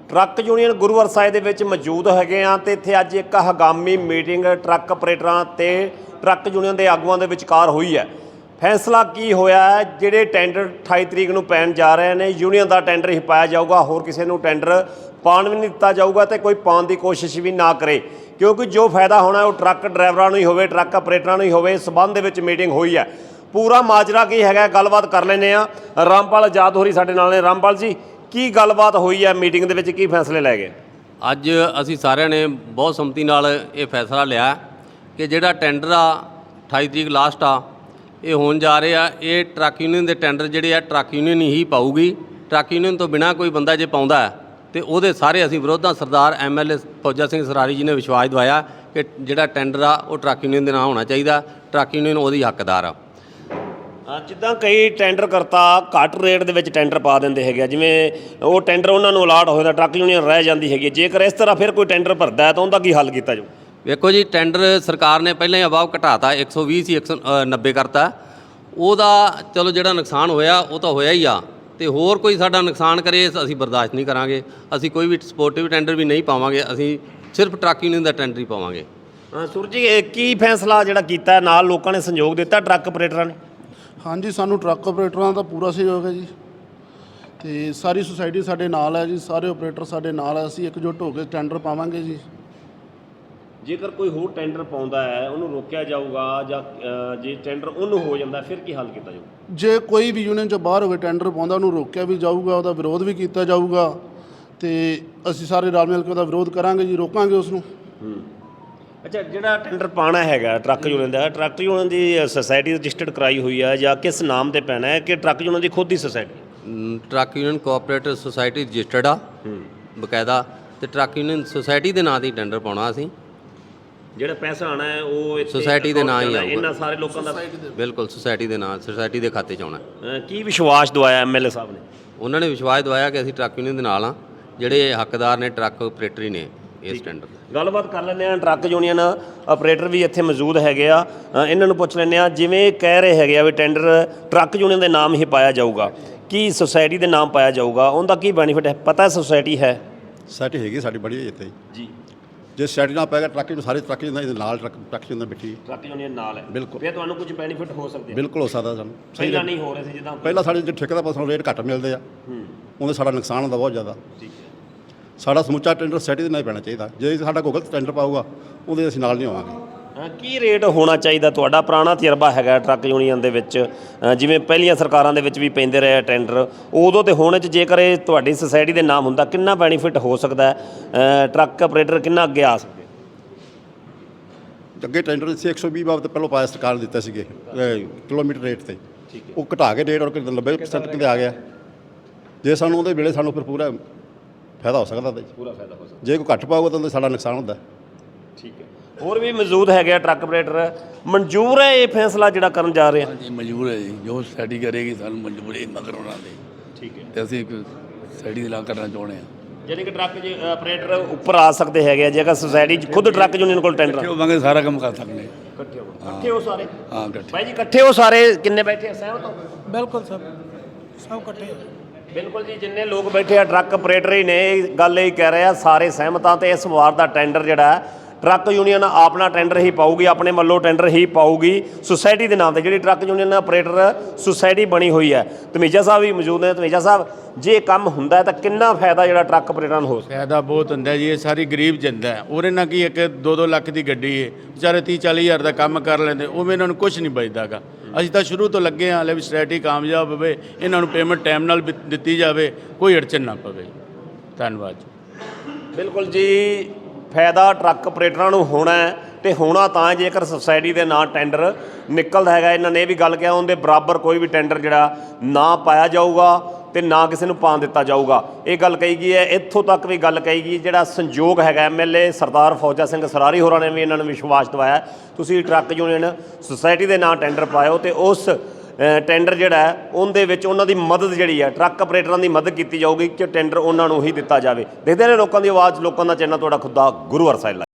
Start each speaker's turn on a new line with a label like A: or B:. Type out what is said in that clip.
A: Truck union गुरुवार साहिब ਦੇ ਵਿੱਚ ਮੌਜੂਦ ਹੈਗੇ ਆ ਤੇ ਇੱਥੇ ਅੱਜ ਇੱਕ ਹੰਗਾਮੀ ਮੀਟਿੰਗ ਟਰੱਕ ਆਪਰੇਟਰਾਂ ਤੇ ਟਰੱਕ ਯੂਨੀਅਨ ਦੇ ਆਗੂਆਂ ਦੇ ਵਿਚਕਾਰ ਹੋਈ ਹੈ। फैसला की होया है, ਜਿਹੜੇ ਟੈਂਡਰ 28 ਤਰੀਕ ਨੂੰ ਪੈਣ ਜਾ ਰਹੇ ਨੇ यूनियन ਦਾ ਟੈਂਡਰ ਹੀ ਪਾਇਆ ਜਾਊਗਾ, ਹੋਰ ਕਿਸੇ ਨੂੰ ਟੈਂਡਰ ਪਾਣ ਵੀ ਨਹੀਂ ਦਿੱਤਾ ਜਾਊਗਾ ਤੇ ਕੋਈ ਪਾਣ ਦੀ ਕੋਸ਼ਿਸ਼ ਵੀ ਨਾ ਕਰੇ, क्योंकि जो फायदा होना है वो ट्रक ड्राइवरों ਨੂੰ ਹੀ ਹੋਵੇ, ट्रक ਆਪਰੇਟਰਾਂ ਨੂੰ ਹੀ ਹੋਵੇ। इस संबंध ਦੇ ਵਿੱਚ ਮੀਟਿੰਗ ਹੋਈ है, पूरा माजरा की है गलबात कर लेने आ। रामपाल आजाद होरी साडे नाल ने। रामपाल जी, की गलबात हुई है मीटिंग ਦੇ ਵਿੱਚ, ਕੀ फैसले लै गए?
B: ਅੱਜ ਅਸੀਂ ਸਾਰਿਆਂ ਨੇ ਬਹੁਤ ਸੰਮਤੀ ਨਾਲ ਇਹ ਫੈਸਲਾ ਲਿਆ ਕਿ ਜਿਹੜਾ ਟੈਂਡਰ ਆ 28 ਤਰੀਕ ਲਾਸਟ ਆ ਇਹ ਹੋਣ ਜਾ ਰਹੇ ਆ, ਇਹ ਟਰੱਕ ਯੂਨੀਅਨ ਦੇ ਟੈਂਡਰ ਜਿਹੜੇ ਆ ਟਰੱਕ ਯੂਨੀਅਨ ਹੀ ਪਾਊਗੀ। ਟਰੱਕ ਯੂਨੀਅਨ ਤੋਂ ਬਿਨਾਂ ਕੋਈ ਬੰਦਾ ਜੇ ਪਾਉਂਦਾ ਤੇ ਉਹਦੇ ਸਾਰੇ ਅਸੀਂ ਵਿਰੋਧਾਂ। ਸਰਦਾਰ MLA ਫੌਜਾ ਸਿੰਘ ਸਰਾਰੀ ਜੀ ਨੇ ਵਿਸ਼ਵਾਸ ਦਿਵਾਇਆ ਕਿ ਜਿਹੜਾ ਟੈਂਡਰ ਆ ਉਹ ਟਰੱਕ ਯੂਨੀਅਨ ਦੇ ਨਾਂ ਹੋਣਾ ਚਾਹੀਦਾ, ਟਰੱਕ ਯੂਨੀਅਨ ਉਹਦੀ ਹੱਕਦਾਰ ਆ।
A: ਜਿੱਦਾਂ ਕਈ ਟੈਂਡਰ ਕਰਤਾ ਘੱਟ ਰੇਟ ਦੇ ਵਿੱਚ ਟੈਂਡਰ ਪਾ ਦਿੰਦੇ ਹੈਗੇ, ਜਿਵੇਂ ਉਹ ਟੈਂਡਰ ਉਹਨਾਂ ਨੂੰ ਅਲਾਟ ਹੋਇਆ ਟਰੱਕ ਯੂਨੀਅਨ ਰਹਿ ਜਾਂਦੀ ਹੈਗੀ। ਜੇਕਰ ਇਸ ਤਰ੍ਹਾਂ ਫਿਰ ਕੋਈ ਟੈਂਡਰ ਭਰਦਾ ਹੈ ਤਾਂ ਉਹਦਾ ਕੀ ਹੱਲ ਕੀਤਾ ਜਾਊ?
B: ਵੇਖੋ ਜੀ, ਟੈਂਡਰ ਸਰਕਾਰ ਨੇ ਪਹਿਲਾਂ ਹੀ ਅਬਾਵ ਘਟਾਤਾ, 120 ਸੀ 190 ਕਰਤਾ। ਉਹਦਾ ਚਲੋ ਜਿਹੜਾ ਨੁਕਸਾਨ ਹੋਇਆ ਉਹ ਤਾਂ ਹੋਇਆ ਹੀ ਆ, ਤੇ ਹੋਰ ਕੋਈ ਸਾਡਾ ਨੁਕਸਾਨ ਕਰੇ ਅਸੀਂ ਬਰਦਾਸ਼ਤ ਨਹੀਂ ਕਰਾਂਗੇ। ਅਸੀਂ ਕੋਈ ਵੀ ਸਪੋਰਟਿਵ ਟੈਂਡਰ ਵੀ ਨਹੀਂ ਪਾਵਾਂਗੇ, ਅਸੀਂ ਸਿਰਫ ਟਰੱਕ ਯੂਨੀਅਨ ਦਾ ਟੈਂਡਰ ਹੀ ਪਾਵਾਂਗੇ।
A: ਸੁਰ ਜੀ, ਕੀ ਫੈਸਲਾ ਜਿਹੜਾ ਕੀਤਾ ਨਾਲ ਲੋਕਾਂ ਨੇ ਸਹਿਯੋਗ ਦਿੱਤਾ ਟਰੱਕ ਆਪਰੇਟਰਾਂ ਨੇ?
C: ਹਾਂਜੀ, ਸਾਨੂੰ ਟਰੱਕ ਆਪਰੇਟਰਾਂ ਦਾ ਪੂਰਾ ਸਹਿਯੋਗ ਹੈ ਜੀ, ਤੇ ਸਾਰੀ ਸੁਸਾਇਟੀ ਸਾਡੇ ਨਾਲ ਹੈ ਜੀ, ਸਾਰੇ ਆਪਰੇਟਰ ਸਾਡੇ ਨਾਲ ਹੈ। ਅਸੀਂ ਇਕਜੁੱਟ ਹੋ ਕੇ ਟੈਂਡਰ ਪਾਵਾਂਗੇ ਜੀ।
A: ਜੇਕਰ ਕੋਈ ਹੋਰ ਟੈਂਡਰ ਪਾਉਂਦਾ ਹੈ ਉਹਨੂੰ ਰੋਕਿਆ ਜਾਊਗਾ ਜਾਂ ਜੇ ਟੈਂਡਰ ਉਹਨੂੰ ਹੋ ਜਾਂਦਾ ਫਿਰ ਕੀ ਹੱਲ ਕੀਤਾ ਜਾਊ?
C: ਜੇ ਕੋਈ ਵੀ ਯੂਨੀਅਨ 'ਚੋਂ ਬਾਹਰ ਹੋ ਕੇ ਟੈਂਡਰ ਪਾਉਂਦਾ ਉਹਨੂੰ ਰੋਕਿਆ ਵੀ ਜਾਊਗਾ, ਉਹਦਾ ਵਿਰੋਧ ਵੀ ਕੀਤਾ ਜਾਊਗਾ, ਤੇ ਅਸੀਂ ਸਾਰੇ ਰਲ ਮਿਲ ਕੇ ਉਹਦਾ ਵਿਰੋਧ ਕਰਾਂਗੇ ਜੀ, ਰੋਕਾਂਗੇ ਉਸ ਨੂੰ।
A: ਅੱਛਾ, ਜਿਹੜਾ ਟੈਂਡਰ ਪਾਣਾ ਹੈਗਾ ਟਰੱਕ ਯੂਨੀਅਨ ਦਾ, ਟਰੱਕ ਯੂਨੀਅਨ ਦੀ ਸੁਸਾਇਟੀ ਰਜਿਸਟਰਡ ਕਰਾਈ ਹੋਈ ਹੈ ਜਾਂ ਕਿਸ ਨਾਮ ਤੇ ਪੈਣਾ ਹੈ ਕਿ ਟਰੱਕ ਯੂਨੀਅਨ ਦੀ ਖੁਦ ਦੀ society?
B: Truck union cooperative society registered ਆ ਬਕਾਇਦਾ, ਤੇ ਟਰੱਕ ਯੂਨੀਅਨ ਸੁਸਾਇਟੀ ਦੇ ਨਾਂ 'ਤੇ ਟੈਂਡਰ ਪਾਉਣਾ। ਅਸੀਂ ਜਿਹੜਾ ਪੈਸਾ ਆਣਾ ਹੈ ਉਹ ਸੁਸਾਇਟੀ ਦੇ ਨਾਂ ਹੀ ਆਊਗਾ,
A: ਇਹਨਾਂ ਸਾਰੇ ਲੋਕਾਂ ਦਾ।
B: ਬਿਲਕੁਲ ਸੁਸਾਇਟੀ ਦੇ ਨਾਂ, ਸੁਸਾਇਟੀ ਦੇ ਖਾਤੇ 'ਚ ਆਉਣਾ।
A: ਕੀ ਵਿਸ਼ਵਾਸ ਦਵਾਇਆ MLA ਸਾਹਿਬ ਨੇ?
B: ਉਹਨਾਂ ਨੇ ਵਿਸ਼ਵਾਸ ਦਵਾਇਆ ਕਿ ਅਸੀਂ ਟਰੱਕ ਯੂਨੀਅਨ ਦੇ ਨਾਲ ਆ, ਜਿਹੜੇ ਹੱਕਦਾਰ ਨੇ ਟਰੱਕ ਆਪਰੇਟਰ ਹੀ ਨੇ ਇਸ ਟੈਂਡਰ ਦੇ।
A: ਗੱਲਬਾਤ ਕਰ ਲੈਂਦੇ ਆ, ਟਰੱਕ ਯੂਨੀਅਨ ਆਪਰੇਟਰ ਵੀ ਇੱਥੇ ਮੌਜੂਦ ਹੈਗੇ ਆ, ਇਹਨਾਂ ਨੂੰ ਪੁੱਛ ਲੈਂਦੇ ਆ। ਜਿਵੇਂ ਕਹਿ ਰਹੇ ਹੈਗੇ ਆ ਵੀ ਟੈਂਡਰ ਟਰੱਕ ਯੂਨੀਅਨ ਦੇ ਨਾਮ ਹੀ ਪਾਇਆ ਜਾਊਗਾ, ਕੀ ਸੁਸਾਇਟੀ ਦੇ ਨਾਮ ਪਾਇਆ ਜਾਊਗਾ? ਉਹਦਾ ਕੀ ਬੈਨੀਫਿਟ ਹੈ? ਪਤਾ ਸੁਸਾਇਟੀ ਹੈ?
D: ਸੁਸਾਇਟੀ ਹੈਗੀ ਸਾਡੀ ਬੜੀ ਇੱਥੇ
A: ਜੀ।
D: ਜੇ ਸੁਸਾਇਟੀ ਨਾਲ ਪੈਗਾ ਟਰੱਕ ਨੂੰ ਸਾਰੇ ਟਰੱਕ ਇਹਦੇ ਨਾਲ ਟਰੱਕ ਯੂਨੀਅਨ ਬੈਠੀ,
A: ਟਰੱਕ ਯੂਨੀਅਨ ਨਾਲ ਹੈ,
D: ਬਿਲਕੁਲ।
A: ਫਿਰ ਤੁਹਾਨੂੰ ਕੁਝ ਬੈਨੀਫਿਟ ਹੋ ਸਕਦੇ?
D: ਬਿਲਕੁਲ ਹੋ ਸਕਦਾ ਸਾਨੂੰ।
A: ਪਹਿਲਾਂ ਨਹੀਂ ਹੋ ਰਹੇ ਸੀ ਜਿੱਦਾਂ
D: ਪਹਿਲਾਂ ਸਾਡੇ ਜੇ ਠੇਕੇਦਾਰ ਪਾਸੋਂ ਰੇਟ ਘੱਟ ਮਿਲਦੇ ਆ, ਉਹਦੇ ਸਾਡਾ ਨੁਕਸਾਨ ਹੁੰਦਾ ਬਹੁਤ ਜ਼ਿਆਦਾ।
A: ਠੀਕ ਹੈ।
D: ਸਾਡਾ ਸਮੁੱਚਾ ਟੈਂਡਰ ਸੁਸਾਇਟੀ ਦੇ ਨਾਲ ਪੈਣਾ ਚਾਹੀਦਾ। ਜੇ ਸਾਡਾ ਕੋਈ ਗਲਤ ਟੈਂਡਰ ਪਾਊਗਾ ਉਹਦੇ ਅਸੀਂ ਨਾਲ ਨਹੀਂ ਆਵਾਂਗੇ।
A: ਕੀ ਰੇਟ ਹੋਣਾ ਚਾਹੀਦਾ? ਤੁਹਾਡਾ ਪੁਰਾਣਾ ਤਜਰਬਾ ਹੈਗਾ ਟਰੱਕ ਯੂਨੀਅਨ ਦੇ ਵਿੱਚ, ਜਿਵੇਂ ਪਹਿਲੀਆਂ ਸਰਕਾਰਾਂ ਦੇ ਵਿੱਚ ਵੀ ਪੈਂਦੇ ਰਹੇ ਟੈਂਡਰ, ਉਦੋਂ ਤੇ ਹੁਣ 'ਚ ਜੇਕਰ ਇਹ ਤੁਹਾਡੀ ਸੁਸਾਇਟੀ ਦੇ ਨਾਮ ਹੁੰਦਾ ਕਿੰਨਾ ਬੈਨੀਫਿਟ ਹੋ ਸਕਦਾ? ਟਰੱਕ ਆਪਰੇਟਰ ਕਿੰਨਾ ਅੱਗੇ ਆ ਸਕਦੇ?
D: ਅੱਗੇ ਟੈਂਡਰ ਸੀ 120 ਬਾਬਤ ਪਹਿਲਾਂ ਪਾਇਆ ਸਰਕਾਰ ਨੇ ਦਿੱਤਾ ਸੀਗੇ ਕਿਲੋਮੀਟਰ ਰੇਟ 'ਤੇ, ਉਹ ਘਟਾ ਕੇ ਰੇਟ ਔਰ 90% ਕਿਤੇ ਆ ਗਿਆ। ਜੇ ਸਾਨੂੰ ਉਹਦੇ ਵੇਲੇ ਸਾਨੂੰ ਫਿਰ ਪੂਰਾ ਫਾਇਦਾ ਹੋ ਸਕਦਾ ਤਾਂ
A: ਪੂਰਾ ਫਾਇਦਾ ਹੋ ਸਕਦਾ।
D: ਜੇ ਕੋਈ ਘੱਟ ਪਾਊਗਾ ਤਾਂ ਸਾਡਾ ਨੁਕਸਾਨ ਹੁੰਦਾ।
A: ਠੀਕ ਹੈ। ਹੋਰ ਵੀ ਮੌਜੂਦ ਹੈਗੇ ਆ ਟਰੱਕ ਆਪਰੇਟਰ। ਮਨਜ਼ੂਰ ਹੈ ਇਹ ਫੈਸਲਾ ਜਿਹੜਾ ਕਰਨ ਜਾ ਰਹੇ ਆ?
E: ਹਾਂਜੀ, ਮਨਜ਼ੂਰ ਹੈ ਜੀ। ਜੋ ਸਟੱਡੀ ਕਰੇਗੀ ਸਾਨੂੰ ਮਨਜ਼ੂਰ ਹੈ ਮਗਰ ਉਹਨਾਂ ਦੇ।
A: ਠੀਕ ਹੈ।
E: ਤੇ ਅਸੀਂ ਇੱਕ ਸਟੱਡੀ ਦੇ ਲਾ ਕਰਨਾ ਚਾਹੁੰਦੇ ਹਾਂ।
A: ਯਾਨੀ ਕਿ ਟਰੱਕ ਆਪਰੇਟਰ ਉੱਪਰ ਆ ਸਕਦੇ ਹੈਗੇ ਆ ਜੇਕਰ ਸੁਸਾਇਟੀ ਖੁਦ ਟਰੱਕ ਯੂਨੀਅਨ ਕੋਲ ਟੈਂਡਰ
E: ਹੋਵਾਂਗੇ, ਸਾਰਾ ਕੰਮ ਕਰ ਸਕਦੇ ਹਾਂ।
A: ਇਕੱਠੇ ਹੋ ਸਾਰੇ?
E: ਹਾਂ, ਇਕੱਠੇ।
A: ਭਾਈ ਜੀ ਇਕੱਠੇ ਹੋ ਸਾਰੇ? ਕਿੰਨੇ ਬੈਠੇ ਆ? ਸਹਿਮਤ ਹੋ?
F: ਬਿਲਕੁਲ ਸਭ ਇਕੱਠੇ।
A: ਬਿਲਕੁਲ ਜੀ, ਜਿੰਨੇ ਲੋਕ ਬੈਠੇ ਆ ਟਰੱਕ ਆਪਰੇਟਰ ਹੀ ਨੇ, ਇਹ ਗੱਲ ਇਹ ਕਹਿ ਰਹੇ ਆ ਸਾਰੇ ਸਹਿਮਤ ਆ। ਤੇ ਇਸ ਵਾਰ ਦਾ ਟੈਂਡਰ ਜਿਹੜਾ ਟਰੱਕ ਯੂਨੀਅਨ ਆਪਣਾ ਟੈਂਡਰ ਹੀ ਪਾਊਗੀ, ਆਪਣੇ ਵੱਲੋਂ ਟੈਂਡਰ ਹੀ ਪਾਊਗੀ ਸੁਸਾਇਟੀ ਦੇ ਨਾਮ ਤੇ, ਜਿਹੜੀ ਟਰੱਕ ਯੂਨੀਅਨ ਆਪਰੇਟਰ ਸੁਸਾਇਟੀ ਬਣੀ ਹੋਈ ਹੈ। ਧਮੀਜਾ ਸਾਹਿਬ ਵੀ ਮੌਜੂਦ ਨੇ। ਧਮੀਜਾ ਸਾਹਿਬ, ਜੇ ਇਹ ਕੰਮ ਹੁੰਦਾ ਤਾਂ ਕਿੰਨਾ ਫਾਇਦਾ ਜਿਹੜਾ ਟਰੱਕ ਆਪਰੇਟਰਾਂ ਨੂੰ ਹੋ ਸਕਦਾ?
G: ਫਾਇਦਾ ਬਹੁਤ ਹੁੰਦਾ ਜੀ। ਇਹ ਸਾਰੀ ਗਰੀਬ ਜਨਤਾ ਹੈ, ਉਹਦੇ ਨਾਲ ਕੀ ਇੱਕ 2-2 ਲੱਖ ਦੀ ਗੱਡੀ ਹੈ, ਵਿਚਾਰੇ 30-40 ਹਜ਼ਾਰ ਦਾ ਕੰਮ ਕਰ ਲੈਂਦੇ, ਉਵੇਂ ਇਹਨਾਂ ਨੂੰ ਕੁਝ ਨਹੀਂ ਬਚਦਾ ਗਾ। ਅਸੀਂ ਤਾਂ ਸ਼ੁਰੂ ਤੋਂ ਲੱਗੇ ਹਾਂ ਲੈ ਵੀ ਸੁਸਾਇਟੀ ਕਾਮਯਾਬ ਹੋਵੇ, ਇਹਨਾਂ ਨੂੰ ਪੇਮੈਂਟ ਟਾਈਮ ਨਾਲ ਦਿੱਤੀ ਜਾਵੇ, ਕੋਈ ਅੜਚਨ ਨਾ ਪਵੇ। ਧੰਨਵਾਦ ਜੀ।
A: ਬਿਲਕੁਲ ਜੀ, ਫਾਇਦਾ ਟਰੱਕ ਆਪਰੇਟਰਾਂ ਨੂੰ ਹੋਣਾ ਹੈ, ਤੇ ਹੋਣਾ ਤਾਂ ਜੇਕਰ ਸੁਸਾਇਟੀ ਦੇ ਨਾਂ ਟੈਂਡਰ ਨਿਕਲਦਾ ਹੈਗਾ। ਇਹਨਾਂ ਨੇ ਇਹ ਵੀ ਗੱਲ ਕਿਹਾ ਉਹਦੇ ਬਰਾਬਰ ਕੋਈ ਵੀ ਟੈਂਡਰ ਜਿਹੜਾ ਨਾ ਪਾਇਆ ਜਾਊਗਾ ਤੇ ਨਾ ਕਿਸੇ ਨੂੰ ਪਾਣ ਦਿੱਤਾ ਜਾਊਗਾ। ਇਹ ਗੱਲ ਕਹੀ ਗਈ ਹੈ। ਇੱਥੋਂ ਤੱਕ ਵੀ ਗੱਲ ਕਹੀ ਗਈ, ਜਿਹੜਾ ਸੰਯੋਗ ਹੈਗਾ MLA ਸਰਦਾਰ ਫੌਜਾ ਸਿੰਘ ਸਰਾਰੀ ਹੋਰਾਂ ਨੇ ਵੀ ਇਹਨਾਂ ਨੂੰ ਵਿਸ਼ਵਾਸ ਦਿਵਾਇਆ ਤੁਸੀਂ ਟਰੱਕ ਯੂਨੀਅਨ ਸੁਸਾਇਟੀ ਦੇ ਨਾਂ ਟੈਂਡਰ ਪਾਇਓ ਤੇ ਉਸ ਟੈਂਡਰ ਜਿਹੜਾ ਹੈ ਉਹਦੇ ਵਿੱਚ ਉਹਨਾਂ ਦੀ ਮਦਦ ਜਿਹੜੀ ਹੈ ਟਰੱਕ ਆਪਰੇਟਰਾਂ ਦੀ ਮਦਦ ਕੀਤੀ ਜਾਊਗੀ ਕਿ ਟੈਂਡਰ ਉਹਨਾਂ ਨੂੰ ਹੀ ਦਿੱਤਾ ਜਾਵੇ। ਦੇਖਦੇ ਨੇ ਲੋਕਾਂ ਦੀ ਆਵਾਜ਼, ਲੋਕਾਂ ਦਾ ਚੈਨਲ ਤੁਹਾਡਾ ਖੁਦ ਦਾ ਗੁਰੂਵਾਰ ਸਾਹਿਬ।